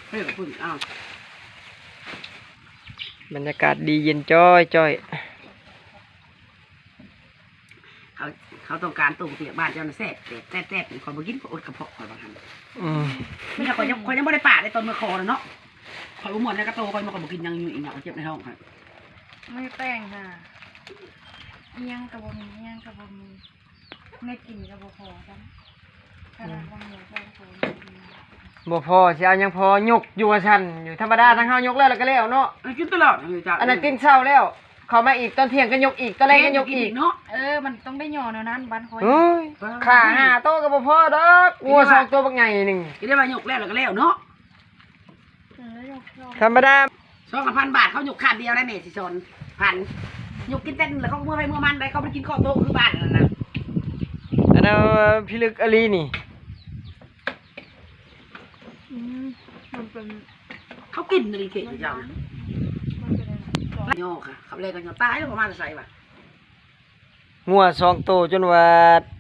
เฮ้ยพึ่งอ้าวบรรยากาศดีเย็นจ้อยจ้อยเขาต้องการตุ่มเปียกบ้านเจ้าน่ะแซ่บแซ่บคนบ่กินก็อดกระเพาะคอยบางทันไม่ใช่คอยยังไม่ได้ป่าได้ตอนมือคอเลยเนาะคอยบ่หมดแล้วก็โตคอยมาคอยบ่กินยังอยู่อีกอย่างเจ็บในท้องค่ะไม่แป้งค่ะเอียงกับบะหมี่เอียงกับบะหมี่ไม่กินกับบะพอจ้ะขนาดบะหมี่แป้งโซ่บ่พอสิเอายังพอยกอยู่ว่าซั่นอยู่ธรรมดาทั้งเฮายกแล้วก็แล้วเนาะกินตลอดจ้ะอันนั้นกินเช้าแล้วเข้ามาอีกตอนเที่ยงก็ยกอีกตอนแรกก็ยกอีกเนาะมันต้องได้หย่อแนวนั้นบ้านคอยเฮ้ยขา5โตก็บ่พอดอกงัว2ตัวบักใหญ่นึงกินได้ว่ายกแล้วก็แล้วเนาะธรรมดา 2,000 บาทเขายกขาดเดียวได้แม่สิชนพันยกกินเต้นแล้วเขาเมื่อไปเมื่อมันได้เขาไปกินข้าวโต๊ะคือบ้านนั่นน่ะอันนั้นพิลึกอลีนี่มันเป็นเขากินอะไรเก่งจังโยค่ะเขาเลยกันโยตายแล้วประมาณจะใส่ป่ะงัว2ตัวจนว่า